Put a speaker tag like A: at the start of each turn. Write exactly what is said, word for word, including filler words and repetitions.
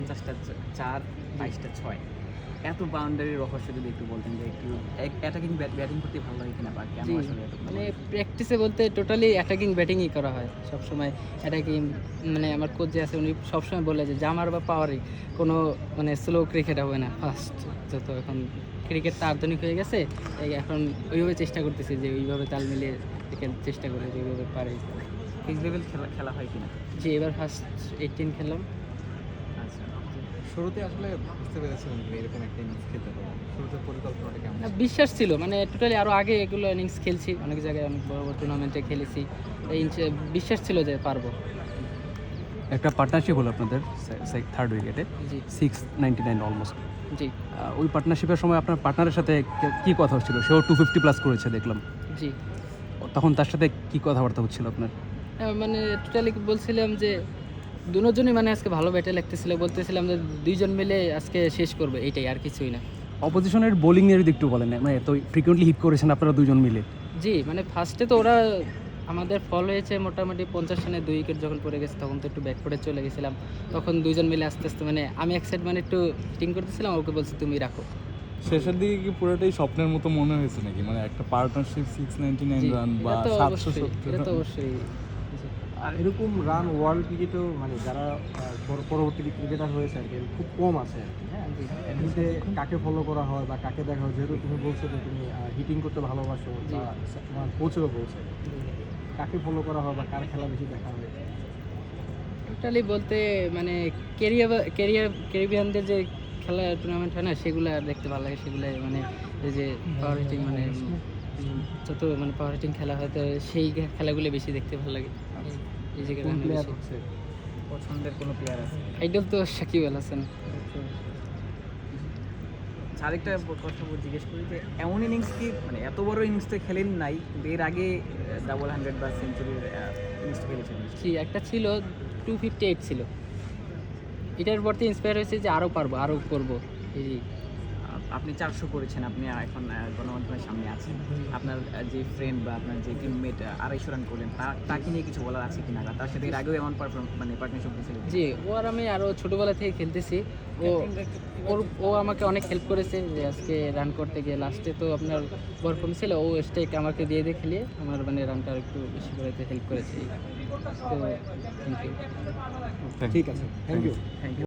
A: পঞ্চাশটা চার, বাইশটা ছয়। এত বাউন্ডারির রহস্য যদি একটু বলতেন যে একটু অ্যাটাকিং ব্যাটিং করতে ভালো লাগে কিনা বা কেন
B: জি,
A: আসলে এত
B: মানে প্র্যাকটিসে বলতে টোটালি অ্যাটাকিং ব্যাটিংই করা হয় সবসময়। অ্যাটাকিং মানে আমার কোচ যে আছে উনি সবসময় বলে যে জামার বা পাওয়ারে কোনো মানে স্লো ক্রিকেট হবে না ফার্স্ট। যত এখন ক্রিকেটটা আধুনিক হয়ে গেছে, এই এখন ওইভাবে চেষ্টা করতেছি যে ওইভাবে তাল মিলিয়ে ক্রিকেট চেষ্টা করে যেভাবে পারি।
A: ফিক্স লেভেল খেলা খেলা হয় কিনা?
B: যে এবার ফার্স্ট এইটিন খেললাম।
A: আচ্ছা,
C: শুরুতে আসলে বুঝতে পেরেছিলেন যে এরকম একটা ইনিংস খেলতে পারবো? শুরুতে পরিকল্পনাটা কেমন
B: না,
C: ছিল?
B: বিশ্বাস ছিল মানে টোটালি আরও আগে এগুলো ইনিংস খেলছি, অনেক জায়গায় অনেক বড় বড় টুর্নামেন্টে খেলেছি। এই ইনচ- বিশ্বাস ছিল যে পারবো।
D: একটা পার্টনারশিপ হলো আপনাদের থার্ড উইকেটে,
B: জি
D: সিক্স নাইনটি নাইন অলমোস্ট।
B: জি
D: ওই পার্টনারশিপের সময় আপনার পার্টনারের সাথে কে- কি কথা হচ্ছিল? সেও টু ফিফটি প্লাস করেছে দেখলাম,
B: জি
D: তখন তার সাথে কি কথাবার্তা হচ্ছিল আপনার?
B: হ্যাঁ, মানে টোটালি বলছিলাম যে দুজনই মানে আজকে ভালো ব্যাটে লাগতেছিল, বলতেছিলাম যে দুইজন মিলে আজকে শেষ করবে, এইটাই আর কিছুই না।
D: অপোজিশনের বোলিং নিয়ে যদি একটু বলেন, মানে তো ফ্রিকুয়েন্টলি হিট করেছেন আপনারা দুজন মিলে।
B: জি মানে ফার্স্টে তো ওরা আমাদের ফল হয়েছে মোটামুটি পঞ্চাশ রানে দুই উইকেট যখন পড়ে গেছে তখন তো একটু ব্যাক করে চলে গেছিলাম। তখন দুইজন মিলে আস্তে আস্তে মানে আমি এক সাইড মানে একটু হিটিং করতেছিলাম, ওকে বলছি তুমি রাখো।
E: শেষের দিকে কি পুরোটাই স্বপ্নের মতো মনে হয়েছে নাকি, মানে একটা পার্টনারশিপ সিক্স নাইনটি নাইন
B: জি,
E: রান বা
B: এটা তো
E: সাতশো
B: অবশ্যই,
E: সত্তর
B: এটা তো
E: রান?
B: অবশ্যই।
F: আর এরকম রান ওয়ার্ল্ড ক্রিকেটেও মানে যারা আহ, পর- পরবর্তী ক্রিকেটার হয়েছে আর কি খুব কম আছে আর কি। হ্যাঁ, এমনিতে কাকে ফলো করা হয় বা কাকে দেখা হয়, যেহেতু তুমি বলছো যে তুমি হিটিং করতে ভালোবাসো
B: জি।
F: বা তোমার কোচও বলছে, কাকে ফলো করা হয় বা কার খেলা বেশি দেখা হয়?
B: টোটালি বলতে মানে কেরিয়ার কেরিয়ার ক্যারিবিয়ানদের যে খেলা টুর্নামেন্ট হয় না, সেগুলো দেখতে ভালো লাগে। সেগুলো মানে এই যে পাওয়ার হিটিং মানে উম, যত মানে পাওয়ার হিটিং খেলা হয় তো সেই খেলাগুলো বেশি দেখতে ভালো লাগে। এই যে
F: কোন প্লেয়ার হচ্ছে?
A: পছন্দের কোনো প্লেয়ার আছে?
B: আইডল তো সাকিব আল হাসান।
A: আচ্ছা, আরেকটা কথা বল- জিজ্ঞেস করি যে এমন ইনিংস কি মানে এত বড় ইনিংস তো খেলেন নাই, এর আগে ডাবল হান্ড্রেড বা সেঞ্চুরির ইনিংস খেলেছেন?
B: জি একটা ছিল টু ফিফটি এইট ছিল, এটার পর থেকে ইন্সপায়ার হয়েছে যে আরও পারবো, আরও করবো। এই
A: আপ- আপনি চারশো করেছেন, আপনি এখন আহ, গণমাধ্যমের সামনে আছেন, আপনার আহ, যে ফ্রেন্ড বা আপনার যে টিমমেট আড়াইশো রান করলেন, তা- তাকে নিয়ে কিছু বলার আছে কিনা? বা তার সাথে এর আগেও এমন পারফর্ম মানে পার্টনারশিপ হয়েছিল?
B: জি ও আর আমি আরও ছোটোবেলা থেকে খেলতেছি। ও ওর ও আমাকে অনেক হেল্প করেছে যে আজকে রান করতে গিয়ে লাস্টে তো আপনার বল কম ছিল, ও স্টেক আমাকে দিয়ে দিয়ে খেলিয়ে আমার মানে রানটা আর একটু বেশি করে হেল্প করেছে। তো থ্যাংক ইউ।
F: ঠিক আছে, থ্যাংক ইউ।
A: Thank you.